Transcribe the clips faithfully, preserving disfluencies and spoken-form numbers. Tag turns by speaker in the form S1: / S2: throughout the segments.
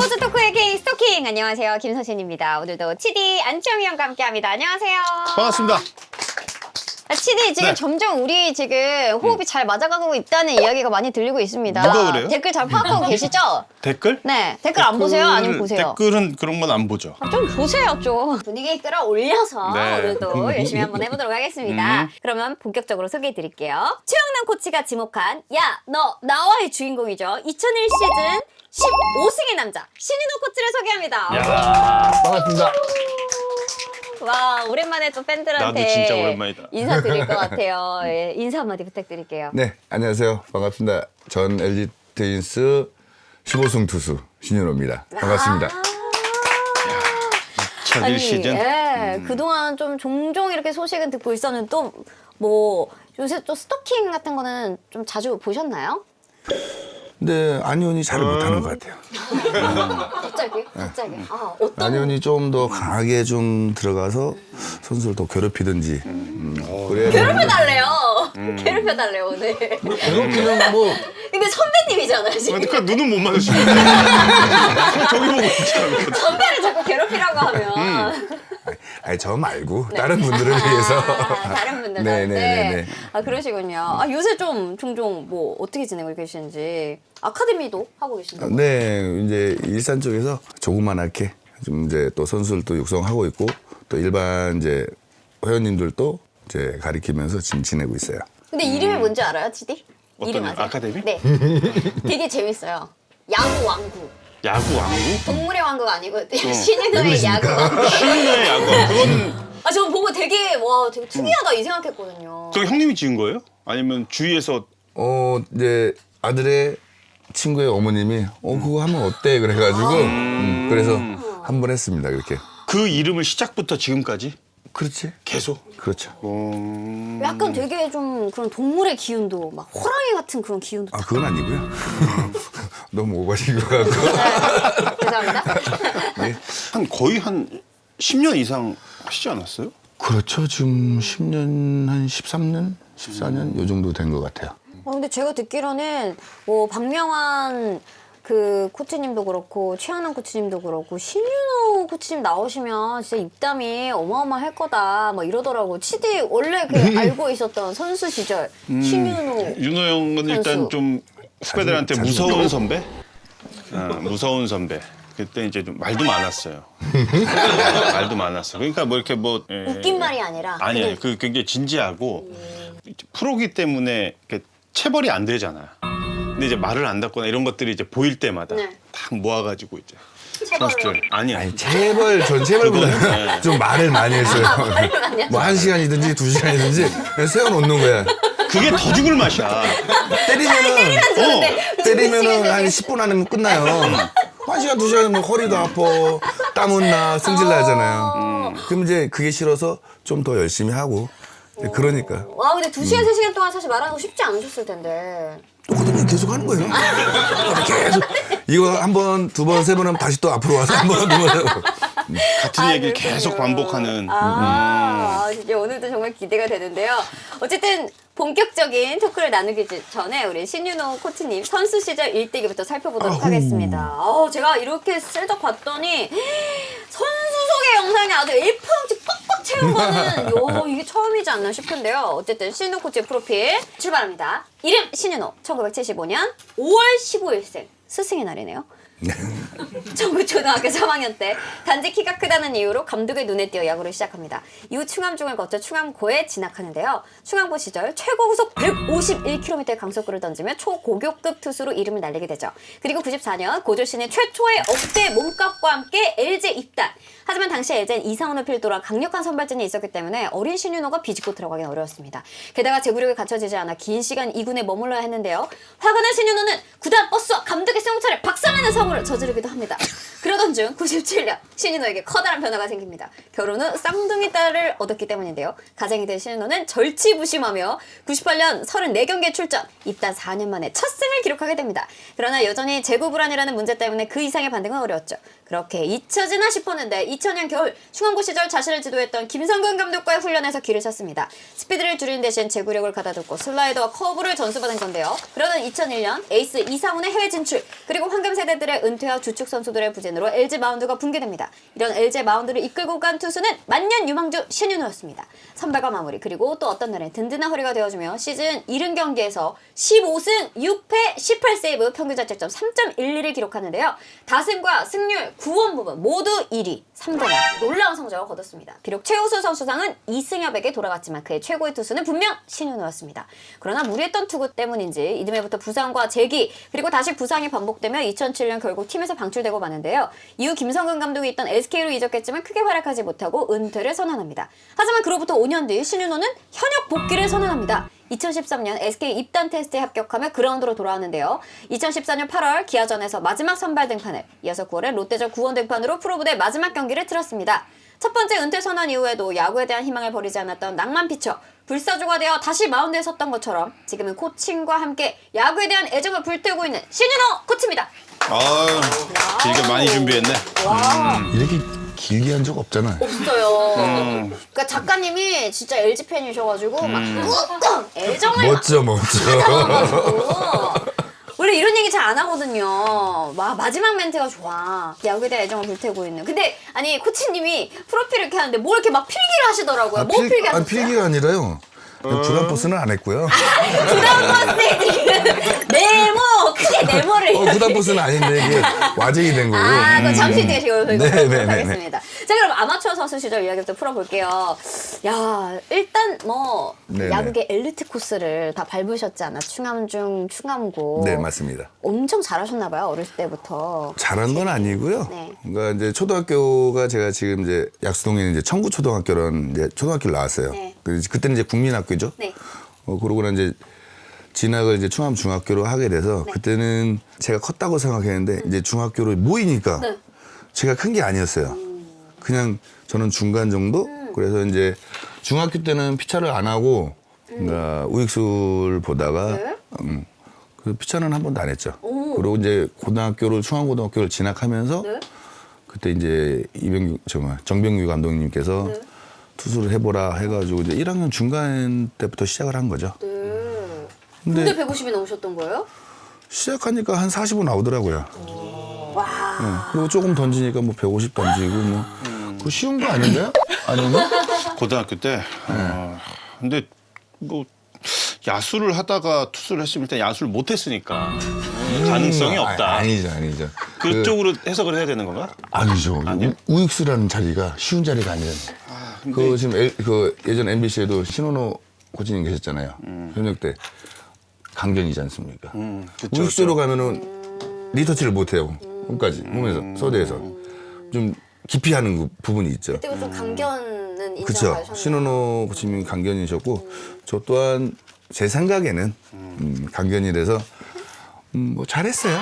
S1: 스포츠 토크의 king 스토킹. 안녕하세요, 김서진입니다. 오늘도 치디 안치홍이 형과 함께합니다. 안녕하세요.
S2: 반갑습니다.
S1: 아, 치디 지금
S2: 네.
S1: 점점 우리 지금 호흡이 잘 맞아가고 있다는 이야기가 많이 들리고 있습니다.
S2: 누가 그래요?
S1: 댓글 잘 파악하고 계시죠?
S2: 댓글?
S1: 네, 댓글 안 보세요? 아니면 보세요?
S2: 댓글은 그런 건 안 보죠.
S1: 아, 좀 보세요, 좀. 분위기 끌어올려서
S2: 네.
S1: 오늘도 열심히 한번 해보도록 하겠습니다.
S2: 음.
S1: 그러면 본격적으로 소개해드릴게요. 최영남 코치가 지목한 야, 너 나와의 주인공이죠. 이천일 시즌 십오 승의 남자 신인호 코치를 소개합니다.
S2: 야,
S3: 반갑습니다.
S1: 와, 오랜만에 또 팬들한테
S2: 나도 진짜 오랜만이다.
S1: 인사드릴 것 같아요. 예, 인사 한마디 부탁드릴게요.
S3: 네, 안녕하세요. 반갑습니다. 전 엘지 트윈스 십오 승 투수 신윤호입니다. 반갑습니다.
S2: 첫 일 시즌.
S1: 예,
S2: 음.
S1: 그동안 좀 종종 이렇게 소식은 듣고 있었는데 또 뭐 요새 또 스토킹 같은 거는 좀 자주 보셨나요?
S3: 근데 안희원이 잘 못하는 것 같아요.
S1: 갑자기? 갑자기? 아, 어떤
S3: 안희원이 좀 더 강하게 좀 들어가서 선수를 더 괴롭히든지. 음, 그래야
S1: 괴롭혀달래요.
S2: 음.
S1: 괴롭혀달래요, 오늘.
S3: 괴롭히는 뭐
S1: 근데 선배님이잖아요, 지금.
S2: 그러니까 눈은 못 마주치고 저기 보고 있잖아.
S1: 선배를 자꾸 괴롭히라고 하면.
S2: 음.
S3: 아니 저 말고 다른 분들을 위해서.
S1: 아, 다른 분들
S3: 네,
S1: 네,
S3: 네, 네, 네.
S1: 아, 그러시군요. 아, 요새 좀 종종 뭐 어떻게 지내고 계시는지. 아카데미도 하고 계신다고?
S3: 네, 이제 일산 쪽에서 조그만하게 좀 이제 또 선수들도 육성하고 있고 또 일반 이제 회원님들도 이제 가리키면서 지금 지내고 있어요.
S1: 근데 이름이 뭔지 알아요, 지디?
S2: 어떤
S1: 이름
S2: 일?
S1: 아세요?
S2: 아카데미?
S1: 네. 되게 재밌어요. 야구 왕국.
S2: 야구 왕국?
S1: 동물의 왕국 아니고 신인호의 야구 왕국.
S2: 신인의 야구. 그건
S1: 아, 저 보고 되게 와 되게 특이하다 이 생각했거든요.
S2: 그 형님이 지은 거예요? 아니면 주위에서
S3: 어 이제 아들의 친구의 어머님이 어 그거 하면 어때 그래가지고 음, 그래서 한 번 했습니다 그렇게.
S2: 그 이름을 시작부터 지금까지
S3: 그렇지.
S2: 계속.
S3: 그렇죠.
S2: 음...
S1: 약간 되게 좀 그런 동물의 기운도 막 호랑이 같은 그런 기운도.
S3: 아 그건 아니고요. 너무 오버신 것 같고.
S1: 네, 죄송합니다.
S2: 한 거의 한 십 년 이상 하시지 않았어요?
S3: 그렇죠. 지금 십 년 한 십삼 년, 십사 년 요 정도 된 것 같아요.
S1: 어, 근데 제가 듣기로는 뭐 박명환 그 코치님도 그렇고 최한원 코치님도 그렇고 신윤호 코치님 나오시면 진짜 입담이 어마어마할 거다 뭐 이러더라고. 치디 원래 그 알고 있었던 선수 시절 신윤호.
S2: 윤호 형은 일단
S1: 선수.
S2: 좀 후배들한테
S3: 자주- 자주
S2: 무서운
S3: 또?
S2: 선배? 아, 무서운 선배. 그때 이제 좀 말도 많았어요. 아, 말도 많았어. 그러니까 뭐 이렇게 뭐 예,
S1: 웃긴 말이 아니라.
S2: 아니에요.
S1: 그냥
S2: 그 굉장히 진지하고 프로기 때문에 이렇게 체벌이 안 되잖아. 근데 이제 말을 안 듣거나 이런 것들이 이제 보일 때마다
S1: 네.
S2: 딱 모아가지고 이제
S1: 체벌로.
S2: 선수들 아니야.
S3: 아니 체벌 전 체벌보다는
S2: 네.
S3: 좀 말을 많이 했어요.
S1: 많이
S3: 뭐 한 시간이든지 두 시간이든지 그냥 세워놓는 거야.
S2: 그게 더 죽을 맛이야.
S3: 때리면은
S2: 어.
S3: 때리면은 한 십 분 안에 끝나요. 한 시간 두 시간이면 허리도 아파, 땀은 나, 승질 나잖아요. 그럼 이제 그게 싫어서 좀 더 열심히 하고 그러니까
S1: 와, 근데 두 시간 세 시간 동안 사실 말하는 거 쉽지 않으셨을 텐데.
S3: 똑같은 계속 하는 거예요. 계속 이거 한 번, 두 번, 세 번 하면 다시 또 앞으로 와서 한 번, 두 번 하고.
S2: 같은
S1: 아,
S2: 얘기를
S1: 그렇군요.
S2: 계속 반복하는.
S1: 아, 아, 진짜 오늘도 정말 기대가 되는데요. 어쨌든 본격적인 토크를 나누기 전에 우리 신윤호 코치님 선수 시절 일대기부터 살펴보도록
S3: 아후.
S1: 하겠습니다. 어, 제가 이렇게 셀덕 봤더니 선수 소개 영상이 아주 일 퍼센트 빡빡 채운 거는 요, 이게 처음이지 않나 싶은데요. 어쨌든 신윤호 코치의 프로필 출발합니다. 이름 신윤호, 천구백칠십오 년 오월 십오일생, 스승의 날이네요. 전국초등학교 삼 학년 때 단지 키가 크다는 이유로 감독의 눈에 띄어 야구를 시작합니다. 이후 충암중을 거쳐 충암고에 진학하는데요. 충암고 시절 최고 구속 백오십일 킬로미터의 강속구를 던지며 초고교급 투수로 이름을 날리게 되죠. 그리고 구십사 년 고졸 신인 최초의 억대 몸값과 함께 엘지에 입단. 하지만 당시 엘지엔 이상훈을 필두로 강력한 선발진이 있었기 때문에 어린 신윤호가 비집고 들어가긴 어려웠습니다. 게다가 제구력이 갖춰지지 않아 긴 시간 이 군에 머물러야 했는데요. 화가 난 신윤호는 구단 버스와 감독의 승용차를 박살내는 사고를 저지르기도 합니다. 그러던 중 구십칠 년 신인호에게 커다란 변화가 생깁니다. 결혼 후 쌍둥이 딸을 얻었기 때문인데요. 가장이 된 신인호는 절치부심하며 구십팔 년 서른네 경기에 출전, 입단 사 년 만에 첫 승을 기록하게 됩니다. 그러나 여전히 재고 불안이라는 문제 때문에 그 이상의 반등은 어려웠죠. 그렇게 잊혀지나 싶었는데 이천 년 겨울 중앙고 시절 자신을 지도했던 김성근 감독과의 훈련에서 길을 찾습니다. 스피드를 줄이는 대신 제구력을 가다듬고 슬라이더와 커브를 전수받은 건데요. 그러던 이천일 년 에이스 이상훈의 해외 진출, 그리고 황금 세대들의 은퇴와 주축 선수들의 부진으로 엘지 마운드가 붕괴됩니다. 이런 엘지 마운드를 이끌고 간 투수는 만년 유망주 신윤호였습니다. 선발과 마무리, 그리고 또 어떤 날엔 든든한 허리가 되어주며 시즌 칠십 경기에서 십오 승 육 패 십팔 세이브, 평균 자책점 삼 점 일일을 기록하는데요. 다승과 승률, 구원 부분 모두 일 위, 삼 점 놀라운 성적을 거뒀습니다. 비록 최우수 선수상은 이승엽에게 돌아갔지만 그의 최고의 투수는 분명 신윤호였습니다. 그러나 무리했던 투구 때문인지 이듬해부터 부상과 재기, 그리고 다시 부상이 반복되며 이천칠 년 결국 팀에서 방출되고 마는데요. 이후 김성근 감독이 있던 에스케이로 이적했지만 크게 활약하지 못하고 은퇴를 선언합니다. 하지만 그로부터 오 년 뒤 신윤호는 현역 복귀를 선언합니다. 이천십삼 년 에스케이 입단 테스트에 합격하며 그라운드로 돌아왔는데요. 이천십사 년 팔월 기아전에서 마지막 선발 등판을, 이어서 구월에 롯데전 구원 등판으로 프로부대 마지막 경기를 치렀습니다. 첫 번째 은퇴 선언 이후에도 야구에 대한 희망을 버리지 않았던 낭만 피처, 불사조가 되어 다시 마운드에 섰던 것처럼 지금은 코칭과 함께 야구에 대한 애정을 불태우고 있는 신윤호 코치입니다.
S2: 아유, 길게 많이 준비했네.
S1: 와,
S3: 이렇게 길게 한 적 없잖아요.
S1: 없어요.
S2: 음.
S1: 그러니까 작가님이 진짜 엘지 팬이셔가지고 막 꾹꾹 애정을
S3: 멋져, 멋져.
S1: 막 원래 이런 얘기 잘 안 하거든요. 와, 마지막 멘트가 좋아. 야구에 대한 애정을 불태우고 있는. 근데 아니 코치님이 프로필을 이렇게 하는데 뭘 이렇게 막 필기를 하시더라고요. 뭐
S3: 필-
S1: 필기
S3: 아니,
S1: 하셨어요?
S3: 필기가 아니라요. 부담 버스는 안 했고요.
S1: 부담버스에 지금 네모 크게 네모를
S3: 어, 부담 버스는 아닌데 이게 와제이 된 거고.
S1: 아, 그럼 잠시 뒤에 저희가
S3: 네,
S1: 보도록
S3: 네, 네, 네.
S1: 하겠습니다. 자, 그럼 아마추어 선수 시절 이야기부터 풀어볼게요. 야, 일단 뭐
S3: 네, 네.
S1: 야구계 엘리트 코스를 다 밟으셨잖아. 충암중, 충암고.
S3: 네, 맞습니다.
S1: 엄청 잘하셨나 봐요, 어렸을 때부터.
S3: 잘한 건 아니고요.
S1: 네.
S3: 그러니까 이제 초등학교가 제가 지금 이제 약수동에 이제 청구초등학교라는 이제 초등학교를 나왔어요.
S1: 네.
S3: 그- 그때는 이제 국민학교죠.
S1: 네.
S3: 어, 그러고 난 이제 진학을 이제 충암 중학교로 하게 돼서
S1: 네.
S3: 그때는 제가 컸다고 생각했는데 이제 중학교로 모이니까
S1: 네.
S3: 제가 큰 게 아니었어요. 그냥 저는 중간 정도.
S1: 음.
S3: 그래서 이제 중학교 때는 피차를 안 하고 그러니까 우익수를 보다가
S1: 네.
S3: 음, 그 피차는 한 번도 안 했죠.
S1: 오.
S3: 그리고 이제 고등학교를 충암고등학교를 진학하면서
S1: 네.
S3: 그때 이제 이병규 정말 정병규 감독님께서
S1: 네.
S3: 투수를 해보라 해가지고 이제 일 학년 중간 때부터 시작을 한 거죠.
S1: 네.
S3: 근데,
S1: 근데 백오십이 넘으셨던 거예요?
S3: 시작하니까 한 사십은 나오더라고요.
S1: 와.
S3: 네. 그리고 조금 던지니까 뭐 백오십 던지고 뭐 그거 쉬운 거 아닌가요? 아닌가?
S2: 고등학교 때. 어, 근데 뭐 야수를 하다가 투수를 했으면 일단 야수를 못 했으니까 가능성이
S3: 음,
S2: 없다.
S3: 아, 아니죠, 아니죠.
S2: 그쪽으로 해석을 해야 되는 건가?
S3: 그, 아니죠.
S2: 아니요?
S3: 우, 우익수라는 자리가 쉬운 자리가 아니잖아요. 그 지금 엘, 그 예전 엠비씨에도 신원호 코치님 계셨잖아요. 현역 때 강견이지 않습니까?
S2: 음, 그쵸,
S3: 우익수로
S2: 그쵸.
S3: 가면은 리터치를 못 해요. 끝까지 몸에서 서대에서 좀 기피하는 그 부분이 있죠.
S1: 그때 좀 강견은
S3: 그렇죠.
S1: 인정하셨나요?
S3: 신원호 코치님이 강견이셨고 저 또한 제 생각에는 음, 강견이라서 음, 뭐 잘했어요.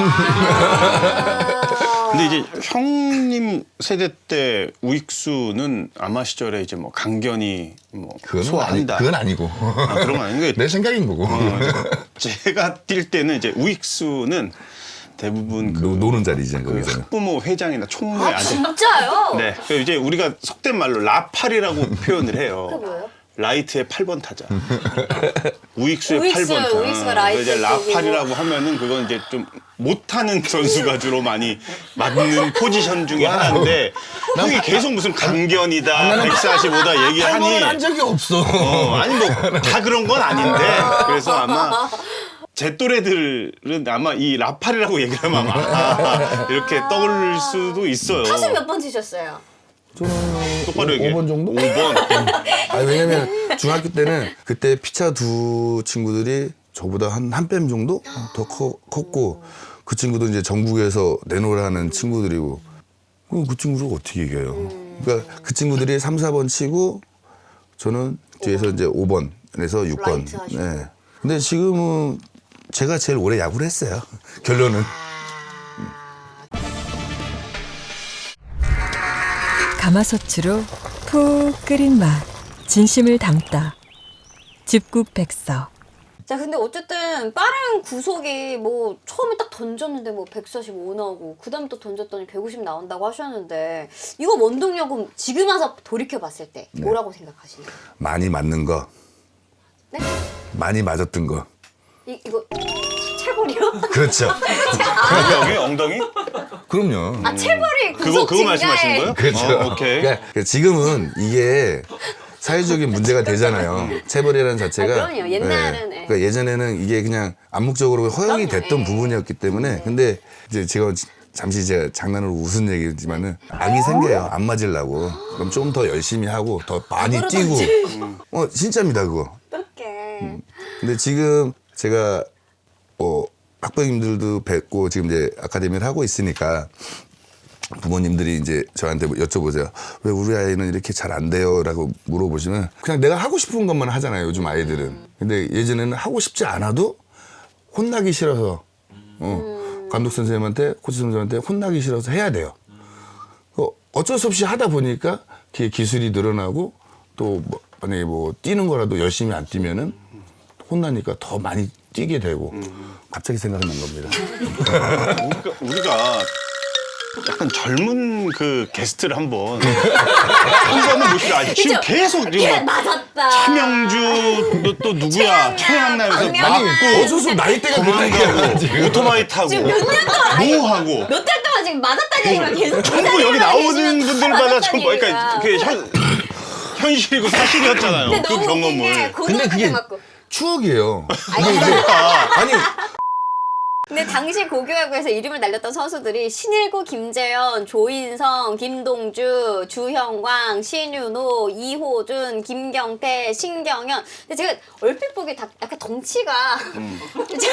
S2: 근데 이제 형님 세대 때 우익수는 아마 시절에 이제 뭐 강견이 뭐
S3: 그건 아니,
S2: 소화한다.
S3: 그건 아니고
S2: 아, 그런 건 아닌 게
S3: 내 생각인 거고.
S2: 어, 제가 뛸 때는 이제 우익수는 대부분 그
S3: 노, 노는 자리지
S2: 그
S3: 거기서는.
S2: 학부모 회장이나 총무의
S1: 아,
S2: 아들.
S1: 진짜요?
S2: 네. 그 이제 우리가 속된 말로 라팔이라고 표현을 해요.
S1: 그게 뭐예요?
S2: 라이트의 팔 번 타자. 우익수의
S1: 우익수,
S2: 팔 번 타자.
S1: 우익수가 라이트
S2: 이제 라팔이라고 하면은 그건 이제 좀 못하는 선수가 주로 많이 맞는 포지션 중에 하나인데 형이 계속 무슨 강견이다, 백사십오다 얘기하니
S3: 한번은 한 적이 없어.
S2: 어, 아니 뭐 다 그런 건 아닌데 그래서 아마 제 또래들은 아마 이 라팔이라고 얘기를 하면 아마 아, 이렇게 떠올릴 수도 있어요.
S1: 타수 몇 번 치셨어요?
S3: 저는
S2: 똑바로 얘기해.
S3: 오 번 정도?
S2: 오 번.
S3: 아 왜냐면 중학교 때는 그때 피차 두 친구들이 저보다 한 한 뺨 정도 더 커, 컸고 그 친구도 이제 전국에서 내놓으라는 친구들이고 그럼 그 친구를 어떻게 이겨요? 그러니까 그 친구들이 삼, 사 번 치고 저는 뒤에서 이제 오 번에서 육 번.
S1: 라이트 하시고.
S3: 네. 근데 지금은 제가 제일 오래 야구를 했어요. 결론은.
S4: 가마솥으로 푹 끓인 맛, 진심을 담다. 집국백서.
S1: 자, 근데 어쨌든 빠른 구속이 뭐 처음에 딱 던졌는데 뭐 백사십오 나오고 그 다음 또 던졌더니 백오십 나온다고 하셨는데 이거 원동력은 지금 와서 돌이켜봤을 때 뭐라고 생각하시나요?
S3: 많이 맞는 거,
S1: 네?
S3: 많이 맞았던 거.
S1: 이, 이거 체벌이요?
S3: 그렇죠.
S2: 엉덩이? 엉덩이?
S3: 그럼요.
S1: 아, 체벌이
S2: 그거
S1: 구속
S2: 그거
S1: 증가에
S2: 말씀하시는 거예요?
S3: 그렇죠.
S2: 어, 오케이.
S3: 그러니까 지금은 이게 사회적인 문제가 되잖아요. 체벌이라는 자체가.
S1: 아, 그럼요. 옛날은, 예.
S3: 그러니까 예전에는 이게 그냥 암묵적으로 허용이
S1: 그럼요,
S3: 됐던
S1: 예.
S3: 부분이었기 때문에. 근데 이제 제가 잠시 제가 장난으로 웃은 얘기지만은 악이 생겨요. 안 맞으려고. 그럼 좀 더 열심히 하고 더 많이 뛰고. 어 진짜입니다 그거.
S1: 어떡해.
S3: 근데 지금 제가 뭐 학부모님들도 뵙고 지금 이제 아카데미를 하고 있으니까 부모님들이 이제 저한테 뭐 여쭤보세요. 왜 우리 아이는 이렇게 잘 안 돼요? 라고 물어보시면 그냥 내가 하고 싶은 것만 하잖아요. 요즘 아이들은. 근데 예전에는 하고 싶지 않아도 혼나기 싫어서 어, 감독 선생님한테 코치 선생님한테 혼나기 싫어서 해야 돼요. 어, 어쩔 수 없이 하다 보니까 뒤에 기술이 늘어나고 또 뭐, 만약에 뭐 뛰는 거라도 열심히 안 뛰면은 혼나니까 더 많이 뛰게 되고 갑자기 생각난 겁니다.
S2: 우리가, 우리가 약간 젊은 그 게스트를 한번 한번은 모시고 아니 지금 계속 지금 막
S1: 맞았다.
S2: 차명주 또, 또 누구야 청양나에서
S1: 박명수.
S2: 맞고
S3: 어쩔 수 없이 나이대가
S2: 도망가고 오토바이 타고
S1: 지금 몇 년 동안
S2: 뭐 하고
S1: 몇 달 동안 지금 맞았다는 얘기만 계속
S2: 전부 여기 나오는 분들마다 전부
S1: 맞았다는
S2: 그러니까 그게 현, 현실이고 사실이었잖아요.
S1: 근데
S2: 그
S1: 너무 웃긴 게
S2: 경험을.
S1: 고등학교
S3: 그게-
S1: 때 맞고.
S3: 추억이에요.
S1: 아니,
S3: 아니
S1: 근데 당시 고교야구에서 이름을 날렸던 선수들이 신일구 김재현, 조인성, 김동주, 주형광, 신윤호, 이호준, 김경태, 신경현. 근데 제가 얼핏 보기 다 약간 덩치가
S2: 음.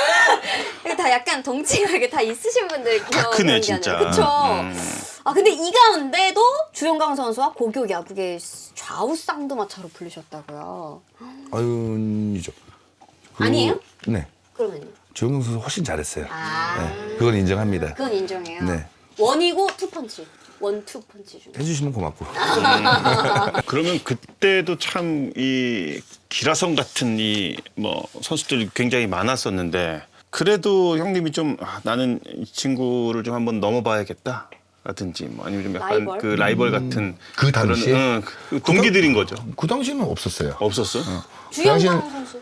S1: 다 약간 덩치가 이게 다 있으신 분들
S2: 다 크네, 진짜.
S1: 그렇죠.
S2: 음.
S1: 아 근데 이 가운데도 주영강 선수와 고교 야구계 좌우 쌍두마차로 불리셨다고요.
S3: 아윤이죠.
S1: 아니에요?
S3: 네.
S1: 그러면요?
S3: 조영경 선수 훨씬 잘했어요.
S1: 아
S3: 네, 그건 인정합니다.
S1: 그건 인정해요.
S3: 네.
S1: 원이고 투펀치. 원투 펀치 중에.
S3: 해주시면 고맙고.
S2: 그러면 그때도 참 이 기라성 같은 이 뭐 선수들이 굉장히 많았었는데 그래도 형님이 좀 아, 나는 이 친구를 좀 한번 넘어봐야겠다. 라든지 뭐 아니면 좀 약간
S1: 라이벌?
S2: 그 라이벌 같은
S3: 그 당시에?
S2: 그런, 응, 그 동기들인 거죠.
S3: 그 당시에는 없었어요.
S2: 없었어?
S1: 주영광
S3: 당시엔-
S1: 선수.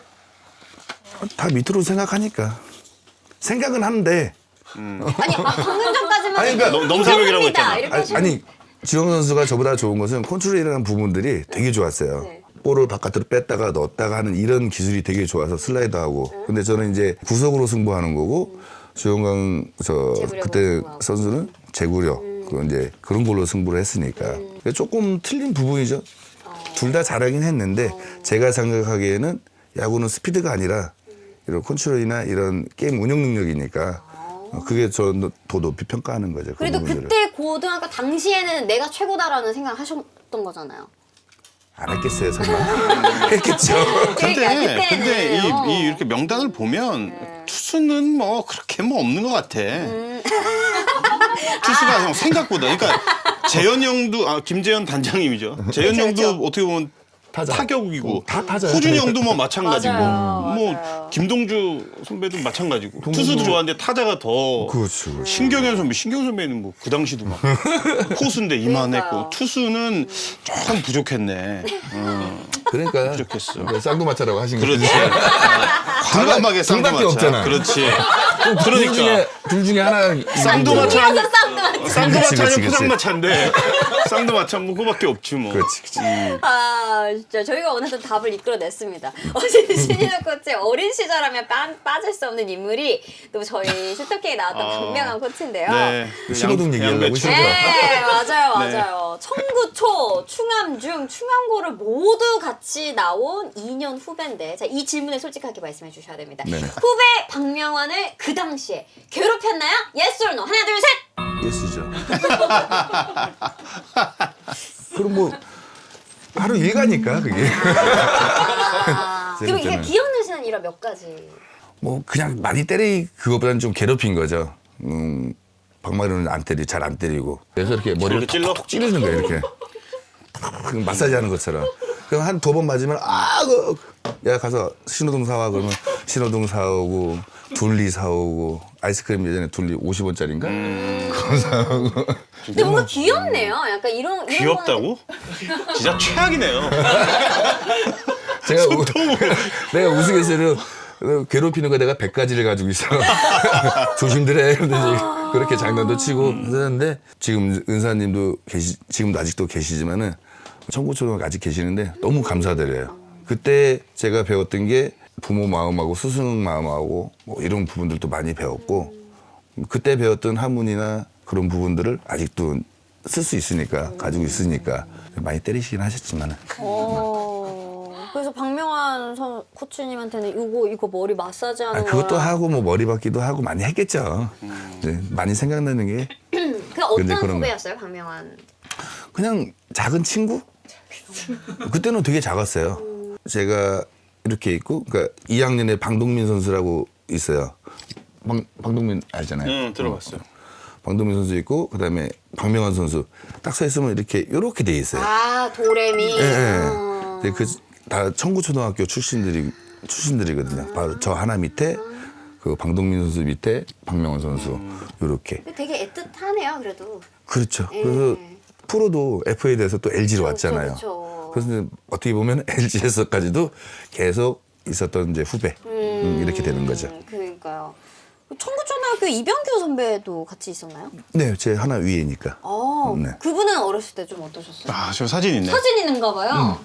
S3: 다 밑으로 생각하니까 생각은 하는데
S1: 아니 아, 방금 전까지만
S3: 아니, 그러니까
S2: 넘- 넘사벽이라고 했잖아.
S1: 이렇게
S3: 아니,
S1: 하시는
S3: 아니 지영 선수가 저보다 좋은 것은 컨트롤이라는 부분들이 되게 좋았어요.
S1: 네.
S3: 볼을 바깥으로 뺐다가 넣었다가 하는 이런 기술이 되게 좋아서 슬라이드하고. 근데 저는 이제 구속으로 승부하는 거고 주영강 저
S1: 제구력으로
S3: 그때
S1: 승부하고.
S3: 선수는 제구력 그 이제 그런 걸로 승부를 했으니까 그러니까 조금 틀린 부분이죠. 둘 다 잘하긴 했는데 제가 생각하기에는 야구는 스피드가 아니라 이런 컨트롤이나 이런 게임 운영 능력이니까 어, 그게 저 더 높이 평가하는 거죠. 그
S1: 그래도
S3: 부분들을.
S1: 그때 고등학교 당시에는 내가 최고다라는 생각 하셨던 거잖아요.
S3: 안 했겠어요, 설마. 했겠죠.
S2: 근데
S1: 그러니까
S2: 근데 이,
S1: 그때는,
S2: 이 이렇게 명단을 보면 투수는 뭐 그렇게 뭐 없는 것 같아. 투수가 형 생각보다 그러니까 재현 형도 아 김재현 단장님이죠. 재현
S1: 그쵸,
S2: 형도
S1: 그쵸.
S2: 어떻게 보면
S3: 타자.
S2: 타격이고
S3: 어, 다 타자야.
S2: 호준 형도 뭐 마찬가지고
S1: 맞아요,
S2: 뭐
S1: 맞아요.
S2: 김동주 선배도 마찬가지고
S3: 동주
S2: 투수도
S3: 뭐-
S2: 좋아하는데 타자가 더
S3: 그렇죠. 그렇죠.
S2: 신경현 선배 신경현 선배는 뭐 그 당시도 막 포수인데 이만했고
S1: 그러니까요.
S2: 투수는 조금 부족했네. 어,
S3: 그러니까
S2: 부족했어.
S3: 그러니까 쌍두마차라고 하신 거죠.
S2: 그렇지. 과감하게
S3: 둘 밖에
S2: 쌍두마차.
S3: 없잖아.
S2: 그렇지.
S3: 둘 중에
S2: 그러니까
S3: 둘 중에 하나
S2: 쌍두마차
S1: 그래서 쌍두마차.
S3: 그치,
S2: 쌍두마차는
S3: 그치.
S2: 포장마차인데 쌍두마차 뭐 그거밖에 없지 뭐.
S3: 그렇지, 그렇지.
S1: 아 진짜 저희가 어느덧 답을 이끌어냈습니다. 어제 신인호 코치 어린 시절하면 빠, 빠질 수 없는 인물이 또 저희 스토킹에 나왔던
S2: 아.
S1: 박명환 코치인데요.
S2: 네.
S3: 신호등 얘기하려고
S2: 양배추.
S3: 그죠?
S1: 네, 맞아요,
S2: 네.
S1: 맞아요. 청구초, 충암중, 충암고를 모두 같이 나온 이 년 후배인데, 자, 이 질문에 솔직하게 말씀해 주셔야 됩니다.
S3: 네네.
S1: 후배 박명환을 그 당시에 괴롭혔나요? Yes or no? 하나, 둘, 셋!
S3: 예수죠. 그럼 뭐 하루 일가니까 그게.
S1: 아, 그럼 이게
S3: 재밌잖아요.
S1: 기억나시는 일화 몇 가지?
S3: 뭐 그냥 많이 때리 그거보다는 좀 괴롭힌 거죠. 음, 박마루는 안 때리 잘 안 때리고 그래서 이렇게 머리를
S2: 저렇게 찔러?
S3: 톡톡 찌르는 거예요 이렇게. 그 마사지 하는 것처럼. 그럼 한 두 번 맞으면 아, 그, 야 가서 신호등 사와 그러면 신호등 사오고 둘리 사오고 아이스크림 예전에 둘리 오십 원짜리인가? 그거 사오고.
S1: 근데 뭔가 귀엽네요. 약간 이런 이런
S2: 귀엽다고? 진짜 최악이네요.
S3: 제가 우, 내가 우스갯소리로 괴롭히는 거 내가 백 가지를 가지고 있어. 조심들 해. 근데 그렇게 장난도 치고 하는데 지금 은사님도 계시, 지금도 아직도 계시지만은 청구초등학교 아직 계시는데 너무 감사드려요. 그때 제가 배웠던 게 부모 마음하고 스승 마음하고 뭐 이런 부분들도 많이 배웠고 그때 배웠던 한문이나 그런 부분들을 아직도 쓸 수 있으니까 가지고 있으니까 많이 때리시긴 하셨지만은.
S1: 어. 그래서 박명환 선 코치님한테는 이거 이거 머리 마사지하는
S3: 아, 그것도
S1: 거야.
S3: 하고 뭐 머리 박기도 하고 많이 했겠죠. 네, 많이 생각나는 게
S1: 그 어떤
S3: 근데 그런 거.
S1: 후배였어요, 박명환?
S3: 그냥 작은 친구? 그때는 되게 작았어요. 제가 이렇게 있고, 그러니까 이 학년에 방동민 선수라고 있어요. 방, 방동민 알잖아요.
S2: 응, 들어봤어요.
S3: 방동민 선수 있고, 그 다음에 박명환 선수 딱 서 있으면 이렇게 요렇게 돼 있어요.
S1: 아 도레미.
S3: 예, 예.
S1: 어.
S3: 근데 그 다 청구초등학교 출신들이 출신들이거든요. 바로 저 하나 밑에 그 방동민 선수 밑에 박명환 선수 요렇게.
S1: 근데 되게 애틋하네요, 그래도.
S3: 그렇죠.
S1: 예.
S3: 그래서 프로도 에프에이에 대해서 또 엘지로 왔잖아요.
S1: 그렇죠.
S3: 그래서 어떻게 보면 엘지에서까지도 계속 있었던 이제 후배 음, 이렇게 되는 거죠.
S1: 그러니까요. 청구초등학교 이병규 선배도 같이 있었나요?
S3: 네, 제 하나 위에니까.
S1: 어,
S3: 네.
S1: 그분은 어렸을 때 좀 어떠셨어요?
S2: 아, 저 사진 있네.
S1: 사진 있는가 봐요.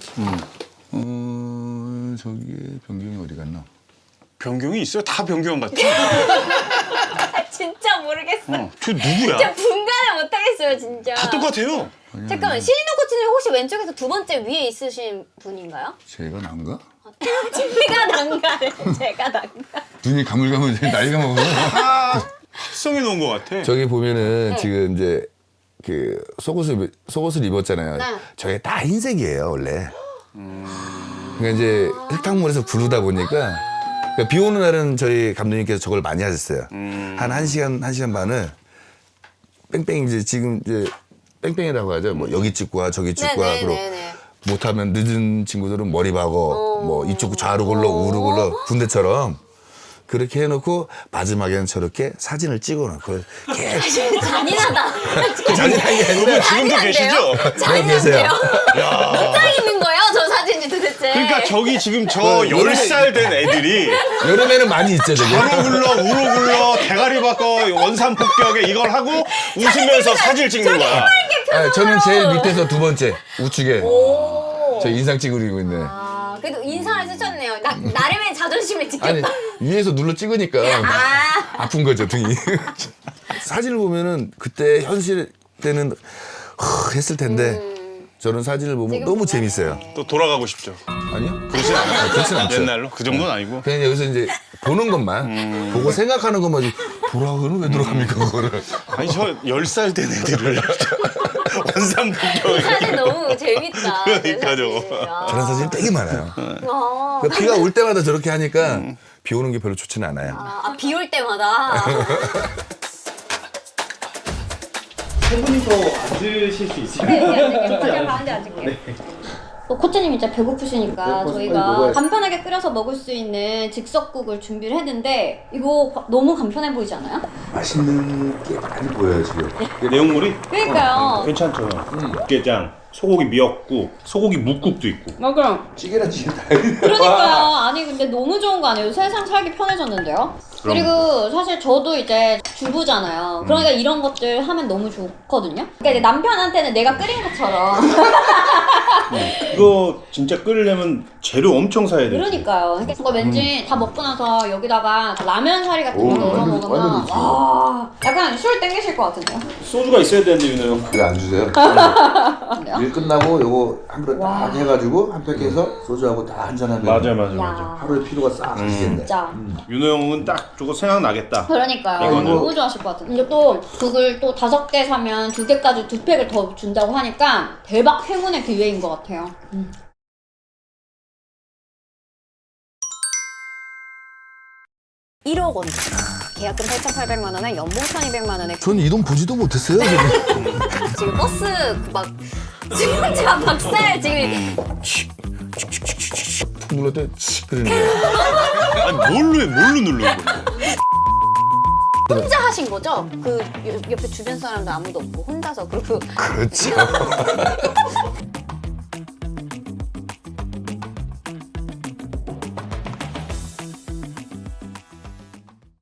S3: 어, 저기 변경이 어디 갔나?
S2: 변경이 있어요? 다 변경 같아.
S1: 아, 진짜 모르겠어.
S2: 어, 저 누구야?
S1: 진짜 분간을 못하겠어요, 진짜.
S2: 다 똑같아요.
S1: 잠깐만, 신인호 코치님 혹시 왼쪽에서 두 번째 위에 있으신 분인가요?
S3: 제가 난가?
S1: 제가 난가래, 제가 난가.
S3: 눈이 가물가물 나이가 먹어서.
S2: 합성해 놓은 것 같아.
S3: 저기 보면은
S1: 네.
S3: 지금 이제 그 속옷을 속옷을 입었잖아요.
S1: 네.
S3: 저게 다 흰색이에요 원래. 그러니까 이제 흙탕물에서 구르다 보니까 그러니까 비 오는 날은 저희 감독님께서 저걸 많이 하셨어요.
S2: 음.
S3: 한 한 시간 한 시간 반을 뺑뺑 이제 지금 이제 뺑뺑이라고 하죠. 뭐 여기 찍고 와 저기 찍고 와 그리고
S1: 네네네네.
S3: 못하면 늦은 친구들은 머리 박어 뭐 이쪽 좌로 굴러 우로 굴러 군대처럼 그렇게 해놓고 마지막에는 저렇게 사진을 찍어놓고 계속
S1: 잔인하다.
S3: 잔인한 게 아니라
S2: 그분 지금도 계시죠?
S3: 네, 계세요.
S1: 몇 장 있는 거예요, 저 사진이 도대체?
S2: 그러니까 저기 지금 저
S3: 그
S2: 열 살 된 애들이
S3: 여름에는 많이 있죠 되게.
S2: 좌로 굴러 우로 굴러 대가리 바꿔 원산 폭격에 이걸 하고 웃으면서 사진을 찍는 거야.
S3: 아, 저는 제일 밑에서 두 번째 우측에 저 인상 찍으리고 있네.
S1: 아, 그래도 인상을 쓰셨네요. 나, 나름의 자존심을 지켰다.
S3: 아니 위에서 눌러 찍으니까
S1: 아,
S3: 아픈 거죠 등이. 사진을 보면은 그때 현실 때는 허, 했을 텐데 저는 사진을 보면
S1: 지금
S3: 너무
S1: 보면,
S3: 재밌어요.
S1: 네.
S2: 또 돌아가고 싶죠.
S3: 아니요? 그렇진 않아요. 그렇진 않죠.
S2: 옛날로 그 정도는 아니고.
S3: 그냥 여기서 이제 보는 것만 보고 생각하는 것만 돌아가는 왜 돌아갑니까 그거를.
S2: 아니 저 열 살 된 애들을 원산 폭격에.
S1: 사진 너무 재밌다.
S2: 그러니까
S1: 그
S2: 저거.
S1: 사진. 아.
S3: 저런 사진이 되게 많아요.
S1: 어.
S3: 그러니까 비가 올 때마다 저렇게 하니까 비 오는 게 별로 좋지는 않아요.
S1: 아, 비 올 때마다.
S5: 한 분이 더 앉으실 수 있어요?
S1: 네, 제가 가운데 앉을게요. 어, 코치님 이제 배고프시니까
S5: 네, 벌써 빨리
S1: 저희가
S5: 먹어야지.
S1: 간편하게 끓여서 먹을 수 있는 즉석국을 준비를 했는데 이거 바- 너무 간편해 보이지 않아요?
S3: 맛있는 게 많이 보여요 지금.
S2: 내용물이
S1: 그러니까요.
S2: 괜찮죠. 육개장, 소고기 미역국, 소고기 묵국도 있고.
S1: 맞아요.
S3: 찌개랑 찌개 다.
S1: 그러니까요. 아니 근데 너무 좋은 거 아니에요? 세상 살기 편해졌는데요? 그리고 사실 저도 이제 주부잖아요. 그러니까 이런 것들 하면 너무 좋거든요. 그러니까 이제 남편한테는 내가 끓인 것처럼.
S2: 이거 진짜 끓이려면 재료 엄청 사야 돼.
S1: 그러니까요. 그러니까 이거 왠지 다 먹고 나서 여기다가 라면 사리 같은 거
S3: 오,
S1: 넣어서
S3: 완전-
S1: 먹으면
S3: 완전 좋지.
S1: 와 약간 술 땡기실 것 같은데요?
S2: 소주가 있어야 되는데 윤호 형.
S3: 이거 안 주세요?
S1: 근데요?
S3: 일 끝나고 요거 한 그릇 딱 해가지고 한 팩 해서 소주하고 다 한잔하면
S2: 맞아 맞아 맞아.
S1: 야
S3: 하루의 피로가 싹 가시겠네.
S1: 진짜.
S2: 윤호 형은 딱 저거 생각나겠다.
S1: 그러니까요.
S2: 이거는-
S1: 너무 좋아하실 것 같은데. 이제 또 국을 또 다섯 개 사면 두 개까지 두 팩을 더 준다고 하니까 대박 행운의 기회인 것 같아요. 음. 일억 원. 계약금 팔천팔백만 원에 연봉 천이백만 원에
S3: 전 이 돈 보지도 못했어요. 지금.
S1: 지금 버스 그막 지금 제가 박살 지금
S3: 눌러 때칙 그러는 거야.
S2: 아니 뭘로 해? 뭘로 누르는 거야?
S1: 혼자 하신 거죠? 그 옆- 옆에 주변 사람도 아무도 없고 혼자서 그리고
S3: 그렇죠.